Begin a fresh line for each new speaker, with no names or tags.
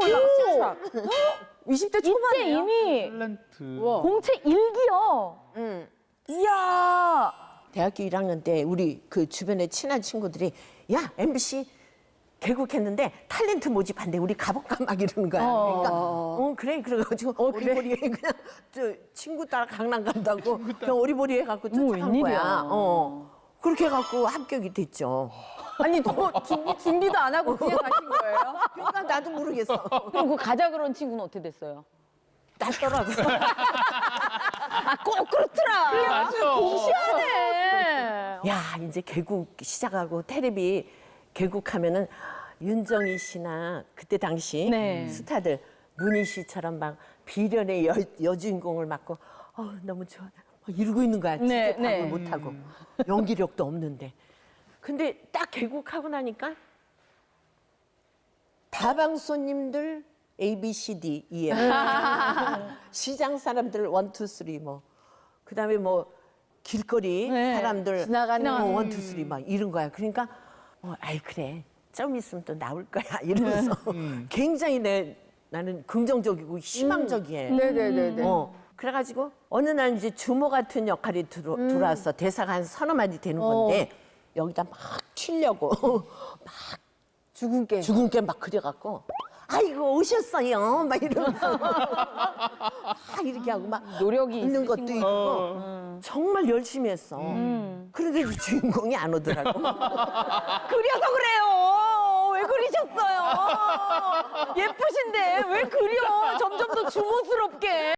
나왔어요. 20대 초반에
이때 이미
탤런트.
공채 일기요. 이야.
대학교 1학년 때 우리 그 주변에 친한 친구들이 야 MBC 개국했는데 탤런트 모집한대 우리 가볼까 막 이러는 거야. 그러니까 그래 그래가지고 어리버리해 그냥 저 친구 따라 강남 간다고 그냥 어리버리 해갖고 쫓아간
웬일이야.
거야. 그렇게 해갖고 합격이 됐죠.
아니 뭐 준비도 안 하고 그냥 가신 거예요?
그러니까 나도 모르겠어.
그럼 그 가자 그런 친구는 어떻게 됐어요?
낫더라고.
꼭 그렇더라.
맞아.
공시하네.
야 이제 개국 시작하고 테레비 개국하면은 윤정희 씨나 그때 당시
네.
스타들 문희 씨처럼 막 비련의 여주인공을 맡고 너무 좋아 막 이러고 있는 거야.
네,
진짜 밥을
네.
못하고 연기력도 없는데 근데 딱 개국하고 나니까 다방 손님들 A, B, C, D, E, F 시장 사람들 1, 2, 3 뭐 그다음에 뭐 길거리
네.
사람들
지나가는
1, 2, 3 막 이런 거야. 그러니까 아이 그래 좀 있으면 또 나올 거야 이러면서 굉장히 나는 긍정적이고 희망적이에요.
네네네네.
그래가지고 어느 날 이제 주모 같은 역할이 들어와서 대사가 한 서너 마디 되는 건데 여기다 막 튀려고
죽은 게.
죽은 게 막 그려갖고 아이고 오셨어요 막 이러면서 막 이렇게 하고 막
노력이
있는 것도
있으신
있고 정말 열심히 했어. 그런데 이 주인공이 안 오더라고.
그려서 그래요. 왜 그리셨어요? 예쁘신데 왜 그려? 점점 더 주모스럽게.